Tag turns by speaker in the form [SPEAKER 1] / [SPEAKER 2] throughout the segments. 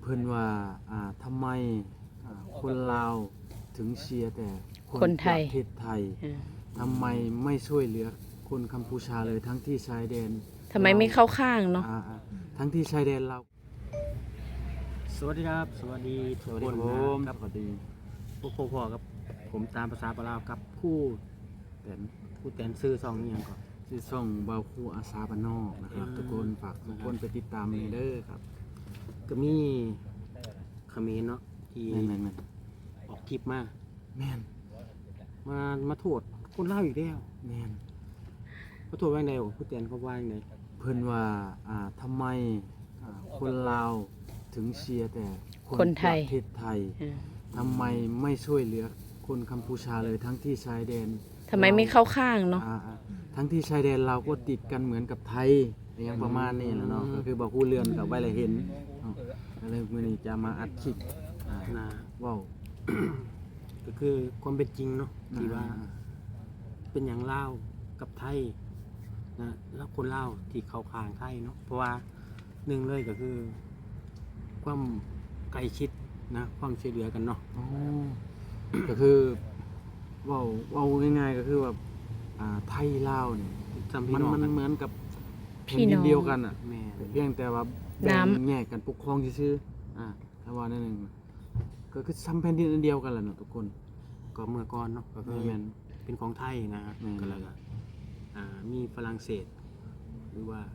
[SPEAKER 1] พิ่นว่าทำไมคนลาวถึงเชียร์แต่
[SPEAKER 2] คนไทย
[SPEAKER 1] ประเทศไทยทำไมไม่ช่วยเหลือคนกัมพูชาเลยทั้งที่ชายแดน
[SPEAKER 2] ทำไมไม่เข้าข้างเนาะ
[SPEAKER 1] ทั้งที่ชายแดนเรา
[SPEAKER 3] สวัสดีครับสวัสดีทุกคนนะครับ
[SPEAKER 1] สวัสดี
[SPEAKER 3] พวกพ่อครับผมตามภาษาปลาวกับผู้แตนซื้อซองนี่ยังก่อน
[SPEAKER 1] ที่ส่องเบาคูอาสาบ้านนอกนะครับทุกคนฝากทุกคนไปติดตามเลยเด้อครับ
[SPEAKER 3] ก็มีเขมรเนาะที่
[SPEAKER 1] แม่น
[SPEAKER 3] ออกคลิปมา
[SPEAKER 1] แม่น
[SPEAKER 3] มาโทษคนลาวอีกแล้ว
[SPEAKER 1] แม่น
[SPEAKER 3] มาโทษว่าไงผู้แตนเขาว่าไง
[SPEAKER 1] เพิ่นว่าทำไมคนลาวถึงเชียร์แต่
[SPEAKER 2] คนไทย
[SPEAKER 1] ประเทศไทยทำไมไม่ช่วยเหลือคนกัมพูชาเลยทั้งที่ชายแดน
[SPEAKER 2] ทำไมไม่เข้าข้างเนาะ
[SPEAKER 1] ทั้งที่ชายแดนเราก็ติดกันเหมือนกับไทยอย่างประมาณนี้แหละเนาะก็คือบอกผู้เรือนกับไว้เลยเห็นอะไรมื้อนี้จะมาอัดคลิปว้าว
[SPEAKER 3] ก็คือความเป็นจริงเนาะที่ว่าเป็นอย่างลาวกับไทยนะแล้วคนลาวที่เข้าข้างไทยเนาะเพราะว่าหนึ่งเลยก็คือความใกล้ชิดนะความช่วยเหลือกันเนาะ
[SPEAKER 1] ก็คือว้าวง่ายๆก็คือแบบไทยลาวเนี่ยมันเหมือนกับแผ่นดินเดียวกันอ่ะเพียงแต่ว่าแบ่งแยกกันปกครองซื่อถ้าว่านั่นเองก็คือซ้ำแผ่นดินอันเดียวกันแหละเนาะทุกคน
[SPEAKER 3] ก็เมื่อก่อนเนาะก็คือเป็นของไทยนะก็แล้วก็มีฝรั่งเศสหรือว่า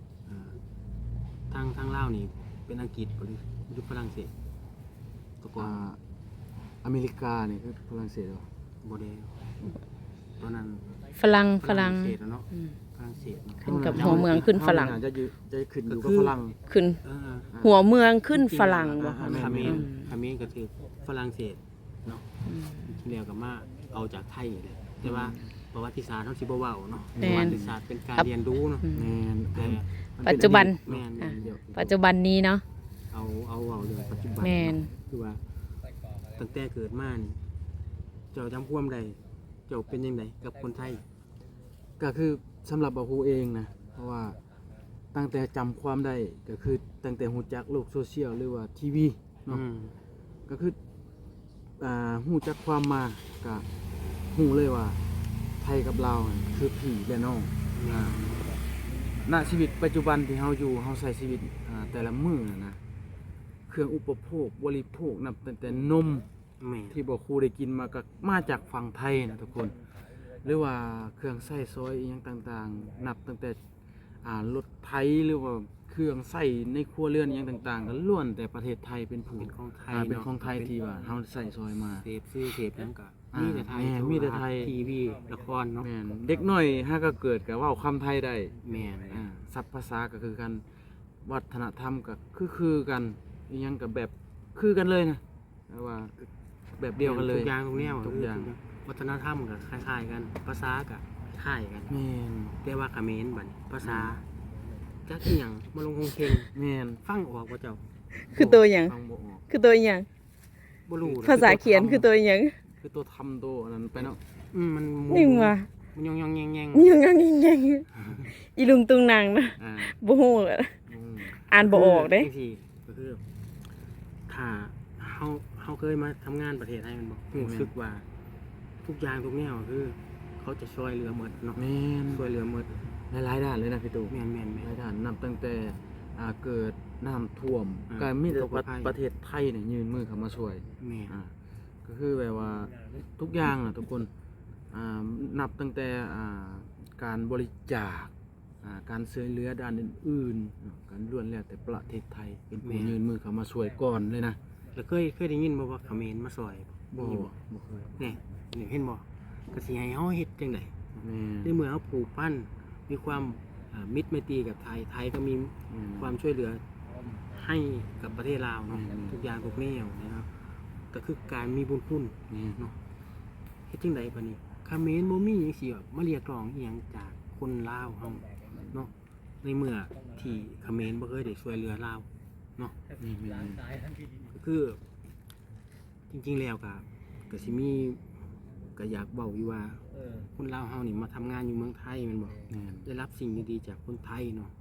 [SPEAKER 3] ทางลาวนี่เป็นอังกฤษหรือฝรั่งเศสตะกอน
[SPEAKER 1] อเมริกาเนี่ยคือฝรั่งเศสหรอ
[SPEAKER 3] โบเดลตอนนั้น
[SPEAKER 2] ฝรั่ง
[SPEAKER 3] เศสเนาะฝรั่งเศส
[SPEAKER 2] ขึ้นกับหัวเมืองขึ้นฝรั่ง
[SPEAKER 1] จะขึ้นอยู่กับฝรั่ง
[SPEAKER 2] ขึ้นหัวเมืองขึ้นฝรั่ง
[SPEAKER 3] บ่คาเมนก็คือฝรั่งเศสเนาะที่แล้วก็มาเอาจากไทยเลยแต่ว่าประวัติศาสตร์เขาสิบ่เว้าเนาะประวัติศาสตร์เป็นการเรียนรู้เนาะ
[SPEAKER 2] ปัจจุบันนี้เนาะ
[SPEAKER 3] เอาเว้าเรื่องปัจจุบันคือว่าตั้งแต่เกิดมานี่เจ้าจำความใดเจ้าเป็นยังไงกับคนไทย
[SPEAKER 1] ก็คือสำหรับบ่ฮู้เองนะเพราะว่าตั้งแต่จำความได้ก็คือตั้งแต่ฮู้จักโลกโซเชียลหรือว่าทีวีเนาะก็คือฮู้จักความมาก็ฮู้เลยว่าไทยกับลาวคือพี่และน้องณชีวิตปัจจุบันที่เฮาอยู่เฮาใช้ชีวิตแต่ละมื้อนะเครื่องอุปโภคบริโภคนับตั้งแต่นมที่บ่ครูได้กินมาจากฝั่งไทยนะทุกคนหรือว่าเครื่องใช้ซอยอีหยังต่างๆนับตั้งแต่รถไถหรือว่าเครื่องใช้ในครัวเรือนอีหยังต่างๆก็ล้วนแต่ประเทศไทยเป็น
[SPEAKER 3] ของไทย
[SPEAKER 1] เป็นของไทยที่ว่าเฮาใช้ซอยมา
[SPEAKER 3] เสพนั้นก็มีแต่ไทยทีวีละครเนาะ
[SPEAKER 1] เด็กน้อยถ้าก็เกิดก็เว้าคำไทยได้
[SPEAKER 3] แม่น
[SPEAKER 1] ศัพท์ภาษาก็คือกันวัฒนธรรมก็คือกันอีหยังก็แบบคือกันเลยนะว่าแบบเดียวกันเลย
[SPEAKER 3] ทุกอย่างทุกแนวทุกอย่างวัฒนธรรมก็คล้ายๆกันภาษาก็คล้ายกัน
[SPEAKER 1] แม่น
[SPEAKER 3] แต่ว่าเขมรบัดภาษาจักอีหยังมาลงคงเคง
[SPEAKER 1] แม่น
[SPEAKER 3] ฟังออกบ่เจ้า
[SPEAKER 2] คือตัวหยังคือตัวหยัง
[SPEAKER 3] บ่รู้
[SPEAKER 2] ภาษาเขียนคือตัวหยัง
[SPEAKER 1] คือตัวทำตัวนั้นไปเนาะ
[SPEAKER 3] มัน
[SPEAKER 2] นิ่งว่ะ
[SPEAKER 3] มันยองๆแยง
[SPEAKER 2] ๆอีลุงตุงนางนะบ่ฮู้อ่านบ่ออกเด้
[SPEAKER 3] ก็คือถ้าเฮาเคยมาทำงานประเทศไทยมันบ่รู้สึกว่าทุกอย่างทุกแนวคือเขาจะช่วยเหลือหมดเนาะ
[SPEAKER 1] แม่น
[SPEAKER 3] ช่วยเหลือหมด
[SPEAKER 1] หลายด้านเลยนะพี่ตู่
[SPEAKER 3] แม่น
[SPEAKER 1] หลายด้านนับตั้งแต่เกิดน้ำท่วมก็มีแต่ประเทศไทยเนี่ยยื่นมือเข้ามาช่วย
[SPEAKER 3] แม่
[SPEAKER 1] ก็คือแบบว่าทุกอย่างทุกคนนับตั้งแต่การบริจาคการช่วยเหลือด้านอื่นๆการล้วนแล้วแต่ประเทศไทยเป็นผู้ยื่นมือเข้ามาช่วยก่อนเลยนะ
[SPEAKER 3] แล้วเคยได้ยินบ่ว่าเขมรมาช่วย
[SPEAKER 1] บ่เคย
[SPEAKER 3] นี่เห็นบ่ก็สิให้เฮาเฮ็ดจังได๋ในเมื่อเฮาผูกพันมีความมิตรไมตรีกับไทยก็มีความช่วยเหลือให้กับประเทศลาวเนาะทุกอย่างทุกแนวนะครับก็คือการมีบุญคุณเนาะเฮ็ดจังได๋บัดนี้เขมรบ่มีจังซี่แบบมาเรียกร้องอีหยังจากคนลาวเฮาเนาะในเมื่อที่เขมรบ่เคยได้ช่วยเหลือลาวเนาะก็คือจริงๆแล้วก็สิมีก็อยากเว้าอยู่ว่าคนลาวเฮานี่มาทำงานอยู่เมืองไทยแม่นบ่ได้รับสิ่งดีๆจากคนไทยเนาะ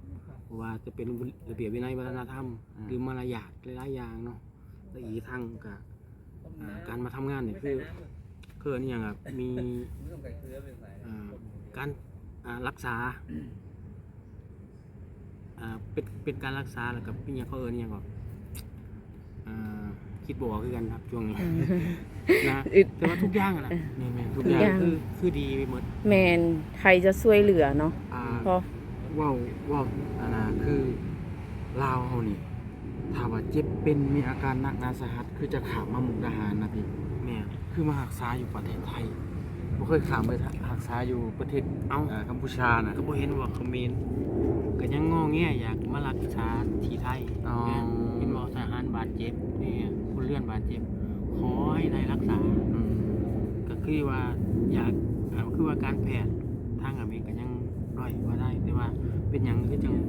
[SPEAKER 3] ราะว่าจะเป็นระเบียบวินัยวัฒนธรรมหรือมารยาทหลายๆอย่างเนาะและอีกทั้งกับการมาทำงานเนี่ยคืออันนี้อย่างมีการรักษาเป็นการรักษาแล้วกับพี่เนี่ยเขาเนี่ยก็คิดบอกคือกันครับช่วงนี้นะแต่ว่าทุกอย่างนะทุกอย่างคือดีไปหมด
[SPEAKER 2] แมนไทยจะช่วยเหลือเนาะเพราะ
[SPEAKER 1] ว้าวคือลาวเฮานี่ถ้าว่าเจ็บเป็นมีอาการหนักหนาสาหัสคือจะขามมามุกดาหารนะพี่
[SPEAKER 3] แม่
[SPEAKER 1] คือมารักษาอยู่ประเทศไทยบ่เคยขามไปรักษาอยู่ประเทศกัมพูชานะ
[SPEAKER 3] ก็บ่เห็นว่าเขมรก็ยังงอแงอยากมารักษาที่ไทยเห็นว่าทหารบาดเจ็บนี่คนเลื่อนบาดเจ็บขอให้ไทยรักษาก็คือว่าอยากคือว่าการแพทย์ทางอเมริกายังด้อยว่าได้แต่ว่าเป็นหยังคือจัง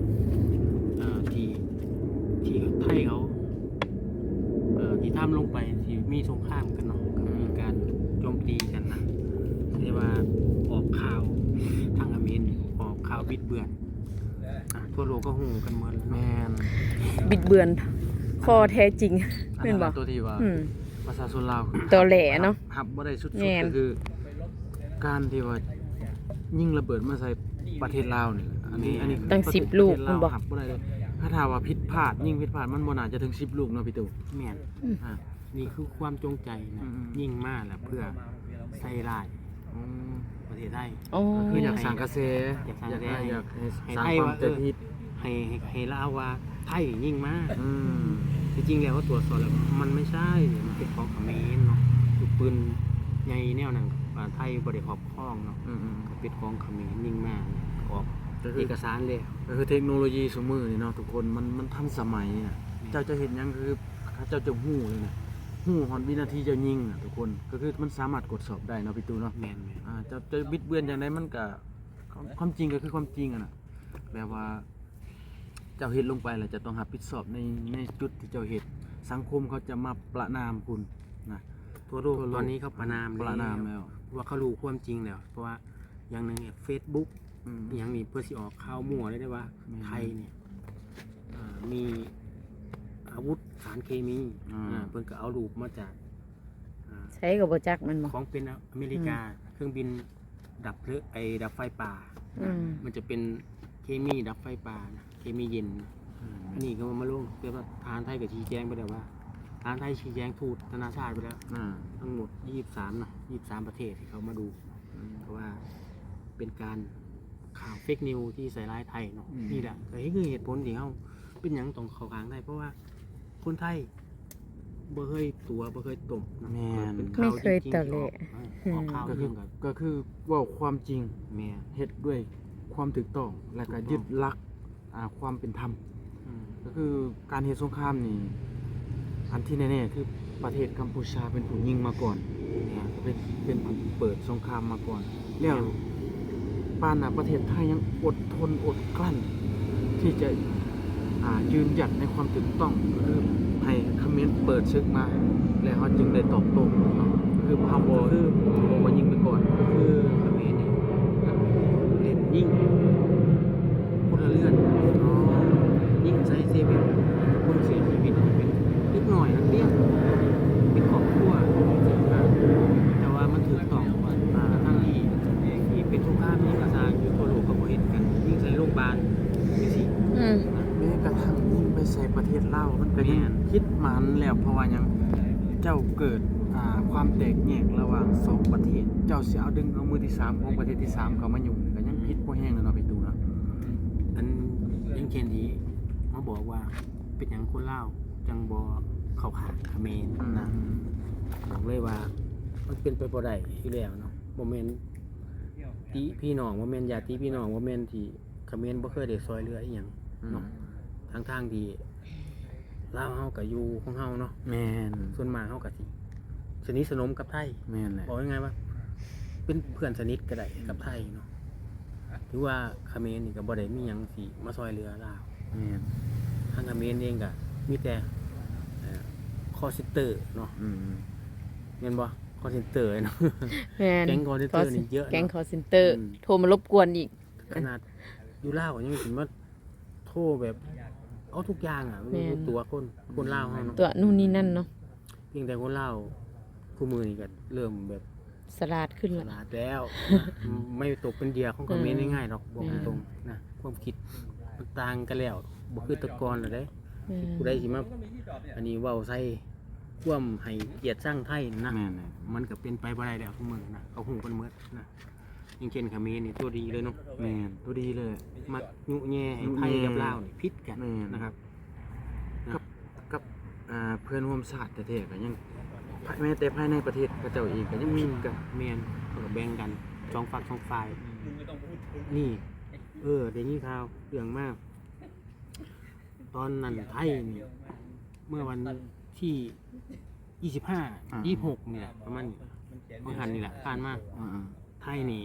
[SPEAKER 3] ที่ไทยเขาที่ทำลงไปที่มีสงครามกันเนาะก็มีการโจมตีกันนะเรียกว่าออกข่าวทางอเมริกาออกข่าวบิดเบือนทั่วโลกก็หูกันหมด
[SPEAKER 1] แมน
[SPEAKER 2] บิดเบือนข้อแท้จริง
[SPEAKER 1] เป็นบ่ตัวที่ว่าประชาชนลาว
[SPEAKER 2] ตัวแหล่เนาะ
[SPEAKER 1] หับบ่ได้สุดๆก็คือการที่ว่ายิงระเบิดมาใส่ประเทศลาวนี่อันนี้
[SPEAKER 2] ตั้ง10ลูกคุณบ่
[SPEAKER 1] หับบ่ได้เลยถ้าถามว่าผิดพลาดยิงผิดพลาดมันบ่น่าจะถึง10ลูกเนาะพี่ตู่
[SPEAKER 3] แม่นนี่คือความจงใจนะยิงมาแล้วเพื่อใส่ร้ายประเทศไทย
[SPEAKER 1] คืออยากสร้างกระแส
[SPEAKER 3] อยากสร้าง
[SPEAKER 1] ไทยว่า
[SPEAKER 3] ให้ลาวว่าไทยยิงมาจริงๆแล้วว่าตรวจสอบแล้วมันไม่ใช่มันเป็นของเขมรเนาะปืนใหญ่แนวนั้นไทยบ่ได้ครอบครองเนาะก็เป็นของเขมรยิงมาออกเอกสารเลย
[SPEAKER 1] ก็คือเทคโนโลยีสมือนี่เนาะทุกคนมันทันสมัยน่ะเจ้าจะเห็นยังคือเจ้าจะฮู้เลยน่ะฮู้ฮอดวินาทีเจ้ายิงน่ะทุกคนก็คือมันสามารถกดสอบได้เนาะพี่ตู่เนาะ
[SPEAKER 3] แม่น
[SPEAKER 1] ๆจะบิดเบือนจังได๋มันก็ความจริงก็คือความจริงอ่ะน่ะแบบว่าเจ้าเฮ็ดลงไปแล้วจะต้องรับผิดชอบในจุดที่เจ้าเฮ็ดสังคมเขาจะมาประณามคุณนะ
[SPEAKER 3] ทั่วโลกตอนนี้เขาประณามแล้วว่าเขารู้ความจริงแล้วเพราะว่าอย่างนึงเนี่ย Facebookอย่างนี้เพื่อสิออกข่าวมั่วได้ว่าไทยเนี่ยมีอาวุธสารเคมีเพิ่นก็เอารูปมาจาก
[SPEAKER 2] ใช้กับบ่จักมันบ่
[SPEAKER 3] ของเป็นอเมริกาเครื่องบินดับไฟป่ามันจะเป็นเคมีดับไฟป่าเคมีเย็นอันนี้ก็มาลงเรียกว่าทหารไทยก็ชี้แจงไปแล้วว่าทหารไทยชี้แจงทูตนานาชาติไปแล้วทั้งหมด23เนาะ23ประเทศที่เขามาดูเพราะว่าเป็นการข่าวเฟกนิวที่ใส่ร้ายไทยเนาะนี่แหละก็คือเหตุผลที่เขาเป็นอย่างต้องเข้าข้างได้เพราะว่าคนไทยบ่เคยตัวบ่เคยตบ
[SPEAKER 2] ไม่เคยตะเละ
[SPEAKER 3] ออกข่าวเรื่อง
[SPEAKER 1] ก็คือว่าความจริงเฮ็ดด้วยความถูกต้องและก็ยึดหลักความเป็นธรรมก็คือการเฮ็ดสงครามนี่อันที่แน่ๆคือประเทศกัมพูชาเป็นผู้ยิงมาก่อนเป็นผู้เปิดสงครามมาก่อนแล้วปานประเทศไทยยังอดทนอดกลั้นที่จะยืนหยัดในความถูกต้องคือให้เขมรเปิดศึกมาแล้วเขาจึงได้ตอบโต้คือพาวเวอร์คือมายิงไปก่อน
[SPEAKER 3] คือเขมรนี่เล่นยิงพลเรือนยิงใส่เซเว่นคนเสียชีวิตเป็นนิดหน่อยนักเรียนเป็นครอบครัวแต่ว่ามันถูกต้องทั้งที่เป็นสงครามยิงกระซางอยู่ทั่วโลกก็บ่เห็นกันยิงใส่โรงพยาบาลจังซี่
[SPEAKER 1] แม้กระทั่งยิงไปใส่ประเทศลาวมันก็ยังคิดมันแล้วเพราะว่ายังเจ้าเกิดความแตกแยกระหว่าง2ประเทศเจ้าสิเอาดึงเอามือที่3ของประเทศที่3เข้ามายุ่งก็ยังผิดบ่แฮงแล้วเนาะพี่ตู่เนาะ
[SPEAKER 3] อันยังเช่นที่มาบอกว่าเป็นหยังคนลาวจังบ่เข้าข้างเขมรนะบอกเลยว่ามันเป็นไปบ่ได้อยู่แล้วเนาะบ่แม่นพี่น้องบ่แม่นญาติพี่น้องบ่แม่นที่เขมรบ่เคยได้ซอยเหลืออีหยังเนาะทางที่ลาวเฮาก็อยู่ของเฮาเนาะ
[SPEAKER 1] แม่น
[SPEAKER 3] ส่วนมากเฮาก็สิสนิทสนมกับไทย
[SPEAKER 1] แม่นแหละ
[SPEAKER 3] บอกยังไงว่าเป็นเพื่อนสนิทก็ได้กับไทยเนาะถือว่าเขมรนี่ก็บ่ได้มีหยังสิมาซอยเหลือลาว
[SPEAKER 1] แม่น
[SPEAKER 3] ทางเขมรเองก็มีแต่คอลเซ็นเตอร์เนาะแม่นบ่คอลเซ็นเตอร์เนาะแก๊งคอลเซ็นเตอร์นี่เยอะ
[SPEAKER 2] แก๊งคอลเซ็นเตอร์โทรมารบกวนอีก
[SPEAKER 3] ขนาดอยู่ลาวก็ยังสิมาโทโทรแบบเอาทุกอย่างอ่ะไม่รู้ตัวคนลาวเฮาเนาะ
[SPEAKER 2] ตัวนู่นนี่นั่นเนาะ
[SPEAKER 3] เพียงแต่คนลาวคู่มือนี่ก็เริ่มแบบ
[SPEAKER 2] สลาดขึ้น
[SPEAKER 3] ฉ
[SPEAKER 2] แล้ว
[SPEAKER 3] ลาดแล้วนะไม่ตกเป็นเหยื่อของคอมเขมนต์ง่ายๆหรอกบอกตรงๆนะความคิดมันต่างกันแล้วบ่คือแตะกอนแล้วเด้ผู้ใดสิมาอันนี้เว้าใส่ความให้เกียรติสร้างไทยนะ
[SPEAKER 1] แม่น
[SPEAKER 3] มันก็เป็นไปบ่ได้แล้วทุกมื้อนะเขาฮู้กันหมดนะอย่างเช่นเขมรนี่ตัวดีเลยเนาะ
[SPEAKER 1] แม่นตัวดีเลย
[SPEAKER 3] มักยุแย่ให้ไทยกับลาวนี่ผิดกัน
[SPEAKER 1] แม่น
[SPEAKER 3] นะครับ
[SPEAKER 1] กับเพื่อนร่วมชาติแท้ๆก็ยังแม้แต่ภายในประเทศพระเจ้าเองก็ยังมีกัน
[SPEAKER 3] แม่นเขาก็แบ่งกันสองฝักสองฝ่ายนี่ได้ยินข่าวเรื่องมาก ตอนนั้นไทยนี่เมื่อวันที่26เนี่ยประมาณเมื่อหันนี่แหละผ่านมา
[SPEAKER 1] อ่า
[SPEAKER 3] ไทยนี่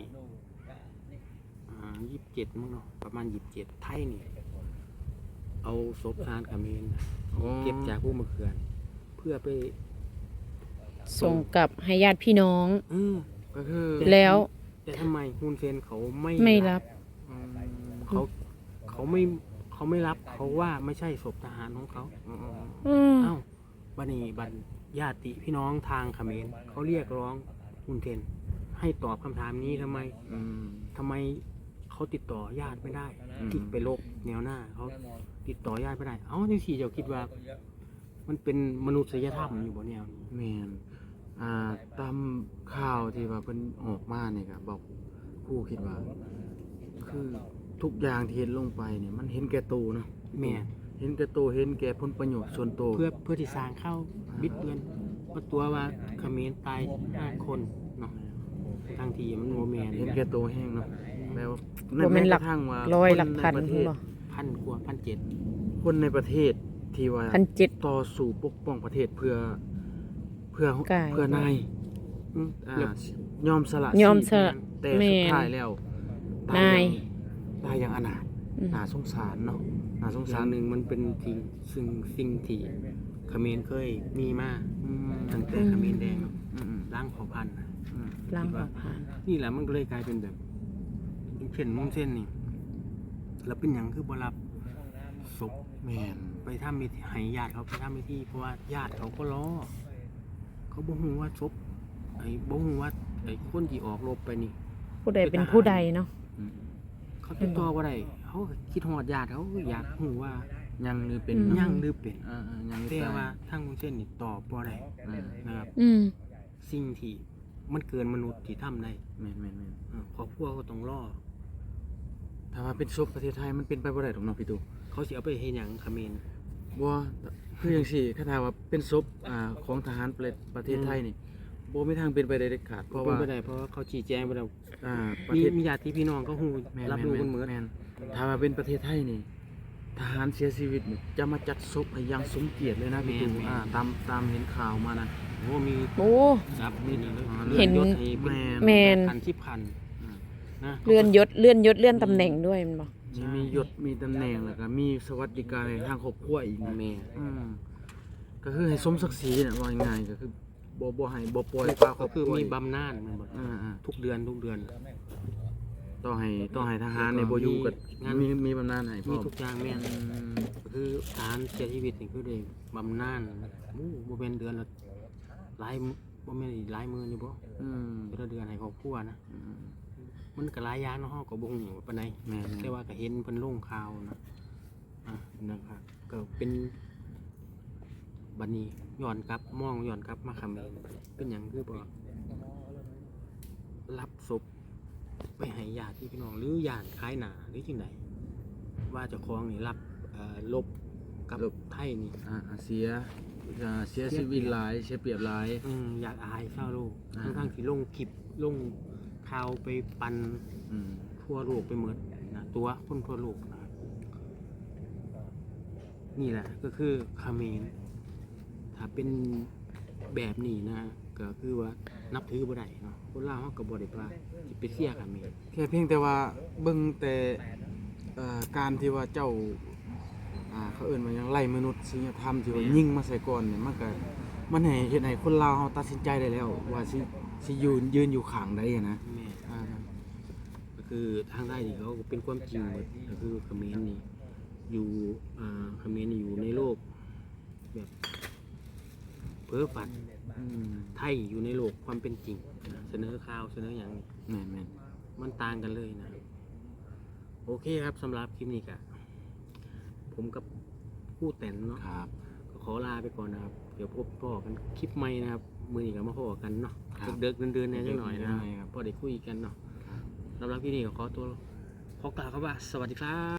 [SPEAKER 3] 27มั้งเนาะประมาณ27ไทยนี่เอาศพทหารเขมร
[SPEAKER 1] ๆโอ้
[SPEAKER 3] เก็บจากผู้มาเขื่อนเพื่อไป
[SPEAKER 2] ส่งกลับให้ญาติพี่น้อง
[SPEAKER 1] ก็คือ
[SPEAKER 2] แล้ว
[SPEAKER 3] แต่ทำไมฮุนเซนเขาไม่
[SPEAKER 2] ไม่รับ
[SPEAKER 1] อืม
[SPEAKER 3] เขาไม่รับเขาว่าไม่ใช่ศพทหารของเขา เอ้าบัดนี้ญาติพี่น้องทางเขมรเขาเรียกร้องฮุนเซนให้ตอบคำถามนี้ทำไม
[SPEAKER 1] อืม
[SPEAKER 3] ทำไมเขาติดต่อญาติไม่ได้
[SPEAKER 1] อืม
[SPEAKER 3] ที่ไปลบแนวหน้าเขาติดต่อญาติไม่ได้ เอ้าที่สี่เจ้าคิดว่า มันเป็นมนุษยธรรมอยู่บนแนวนี้
[SPEAKER 1] แม่นตามข่าวที่ว่าเพิ่นออกมาเนี่ยก็บอกผู้คิดว่า คือทุกอย่างที่เห็นลงไปเนี่ยมันเห็นแก่ตัวเนาะ
[SPEAKER 3] แม่น
[SPEAKER 1] เห็นแก่ตัวเห็นแก่ผลประโยชน์ส่วนตัว
[SPEAKER 3] เพื่อที่สร้างเข้าบิดเบือนว่าตัวว่าเขมรตาย5 คนเนาะทางทีมันโมเมน
[SPEAKER 1] เห็นแก่ตัวแห้งเนาะแปลว่า
[SPEAKER 2] บ่แม่นหลัก
[SPEAKER 1] แม้กระทั่งว่า
[SPEAKER 2] ร้อย
[SPEAKER 1] คน
[SPEAKER 2] หลักพัน
[SPEAKER 1] ในประเทศ
[SPEAKER 2] บ่
[SPEAKER 3] 1,000 กว่า 1,700
[SPEAKER 1] คนในประเทศที่ว่า
[SPEAKER 2] 1,700
[SPEAKER 1] ต่อสู้ปกป้องประเทศเพื่อก
[SPEAKER 2] าย
[SPEAKER 1] เพื่อนาย
[SPEAKER 3] แล้ว
[SPEAKER 1] ยอมสละ
[SPEAKER 2] ยอมส
[SPEAKER 1] ชี
[SPEAKER 2] ละ
[SPEAKER 1] พแต่
[SPEAKER 2] แม่
[SPEAKER 1] สุด
[SPEAKER 2] น
[SPEAKER 1] ท้ายแล้ว
[SPEAKER 2] นาย
[SPEAKER 1] ตายอย่างอนาถ
[SPEAKER 2] อืม
[SPEAKER 1] น่าสงสารเนาะน่าสง
[SPEAKER 3] สา
[SPEAKER 1] สาร
[SPEAKER 3] รหนึ่งมันเป็นสิ่งที่เขมรเคยมีมา
[SPEAKER 1] อืม
[SPEAKER 3] ตั้งแต่เขมรแดงเนาะ
[SPEAKER 1] อืม
[SPEAKER 3] ล้างเผ่าพันธุ์น่ะ
[SPEAKER 1] อืม
[SPEAKER 2] ล้างอผ่าน
[SPEAKER 3] นี่แหละมันก็เลยกลายเป็นแบบอย่างเช่นมุ่งเส้นนี่แล้วเป็นอย่างคือบรับศพ
[SPEAKER 1] แม่น
[SPEAKER 3] ไปทำมิธีให้ญาติเขาไปทำมิธีเพราะว่าญาติเขาก็รอเขาบ่ฮู้ว่าศพบ่ฮู้ว่าไอ้คนที่ออกรบไปนี่
[SPEAKER 2] ผู้ใดเป็นผู้ใดเนาะ
[SPEAKER 1] อืม
[SPEAKER 3] เขาติดต่อบ่ได้เขาก็คิดฮอดญาติเขาก็อยากฮู้ว่า
[SPEAKER 1] ยังหรือเป็น
[SPEAKER 3] ยังหรือเป็น
[SPEAKER 1] ยังหรือ
[SPEAKER 3] แต่
[SPEAKER 1] ตาย
[SPEAKER 3] ว่าทางมุ่งเส้นนี่ตอบบ่ได้
[SPEAKER 1] อ่า
[SPEAKER 3] นะครับ
[SPEAKER 2] อืม
[SPEAKER 3] สิ่งที่มันเกินมนุษย์ที่ทำได้
[SPEAKER 1] แม่นแม่นแม่น
[SPEAKER 3] ครอบครัวก็ต้องรอ
[SPEAKER 1] ถ้าว่าเป็นศพประเทศไทยมันเป็นไปบ่ได้หรอกเนาะพี่ตู่
[SPEAKER 3] เขาสิเอาไปเฮ็ดหยังเขมร
[SPEAKER 1] บ่คือจังซี่ถ้าว่าเป็นศพของทหารประเทศไทยนี่บ่มีทางเป็นไปได้เด็ดขาดเพราะ
[SPEAKER 3] เป็น
[SPEAKER 1] ว่า
[SPEAKER 3] ไปได้เพราะว่าเขาชี้แจงไปแล้ว
[SPEAKER 1] ประ
[SPEAKER 3] มี
[SPEAKER 1] เทศ
[SPEAKER 3] มีญาติพี่น้องก็ฮู้
[SPEAKER 1] แม่น
[SPEAKER 3] รับรู้กันหมด
[SPEAKER 1] แม่นถ้าว่าเป็นประเทศไทยนี่ทหารเสียชีวิตนี่จะมาจัดศพให้อยังสมเกียรติเลยนะพี่ตู่ตามเห็นข่าวมานะ
[SPEAKER 3] โอ้มี
[SPEAKER 2] โอ้
[SPEAKER 3] รับมีนี่เลย
[SPEAKER 2] เห็น
[SPEAKER 3] ลื่อยศให้เป็น
[SPEAKER 2] แม่น
[SPEAKER 3] พัน10,000นะ
[SPEAKER 2] เลื่อนยศเลื่อนตำแหน่งด้วยมันบอก
[SPEAKER 1] มียศมีตำแหน่งแล้วก็มีสวัสดิการในทางครอบครัวอีก
[SPEAKER 3] แม่
[SPEAKER 1] ก็คือให้สมศักดิ์ศรีน่ะว่าง่ายๆก็คือบ่ให้บ่ปล่อยปลาคร
[SPEAKER 3] ก็
[SPEAKER 1] อบค
[SPEAKER 3] คือ
[SPEAKER 1] รัว
[SPEAKER 3] มี
[SPEAKER 1] อีก
[SPEAKER 3] บำนาญมันบ่ ทุกเดือน
[SPEAKER 1] ต้องให้ทหารในบ่อยู่กับ
[SPEAKER 3] งาน
[SPEAKER 1] มีบำนาญให้พร้
[SPEAKER 3] มี
[SPEAKER 1] อม
[SPEAKER 3] ทุกอย่างแม่นก็คือทหารเสียชีวิตนี่คือได้บำนาญบ่แม่นเดือนละหลายบ่แม่นหลายหมื่นอยู่บ่
[SPEAKER 1] อืม
[SPEAKER 3] แต่ละเดือนให้ครอบครัวนะ
[SPEAKER 1] อืม
[SPEAKER 3] มันก็หลายอย่างเนาะเฮาก็บ่ฮู้ปานใด
[SPEAKER 1] แม่น
[SPEAKER 3] แต่ว่าก็เห็นเพิ่นลงข่าวนะนะครับก็เป็นบัดนี้ย้อนกลับมองย้อนกลับมาเขมรเป็นหยังคือบ่รับศพไปให้ญาติพี่น้องหรือญาติคล้ายหน้าหรือจังไดว่าเจ้าของนี่รับลบกับไทยนี่
[SPEAKER 1] เสียชีวิตหลายเสียเปรียบหลาย
[SPEAKER 3] อยากอายชาวโลก
[SPEAKER 1] อ่า
[SPEAKER 3] ทั้งๆที่ลงคลิปลงข่าวไปปัน
[SPEAKER 1] อืม
[SPEAKER 3] ทั่วโลกไปหมดนะตัวคนทั่วโลกนะครับนี่แหละก็คือเขมรถ้าเป็นแบบนี้นะก็คือว่านับถือบ่ได้เนาะคนลาวเขาก็บ่ได้ว่าสิไปเสียเขมร
[SPEAKER 1] แค่เพียงแต่ว่าเบิ่งแต่การที่ว่าเจ้าเขาเอิ้นว่าหยังไล่มนุษยธรรมที่ว่ายิงมาใส่ก่อนเนี่ยมันให้เฮ็ดให้คนลาวเฮาตัดสินใจได้แล้ว ว่าสิยืนอยู่ข้างใดอะนะ
[SPEAKER 3] แม่ก็คือทางใต้นี่เขาก็เป็นความจริงหมดก็คือเขมรนี่อยู่เขมรอยู่ในโลกแบบเพ้อฝัน ไทยอยู่ในโลกความเป็นจริงนะเสนอข่าวเสนออย่าง
[SPEAKER 1] แม่น
[SPEAKER 3] มันต่างกันเลยนะโอเคครับสำหรับคลิปนี้ก็ผมกับผู้แต่นเนาะ
[SPEAKER 1] ๆครับ
[SPEAKER 3] ก็ขอลาไปก่อนนะครับ เดี๋ยวพบพ่อกันคลิปใหม่นะครับมือนี้ก็มาพ่อกันเนาะ
[SPEAKER 1] ครับ
[SPEAKER 3] เด็กๆเดินๆเนี่ยจังหน่อยนะ
[SPEAKER 1] ครับ
[SPEAKER 3] พอได้คุยกันเนาะสำหรับคลิปนี้ก็ขอตัวขอกล่าวครับว่าสวัสดีครับ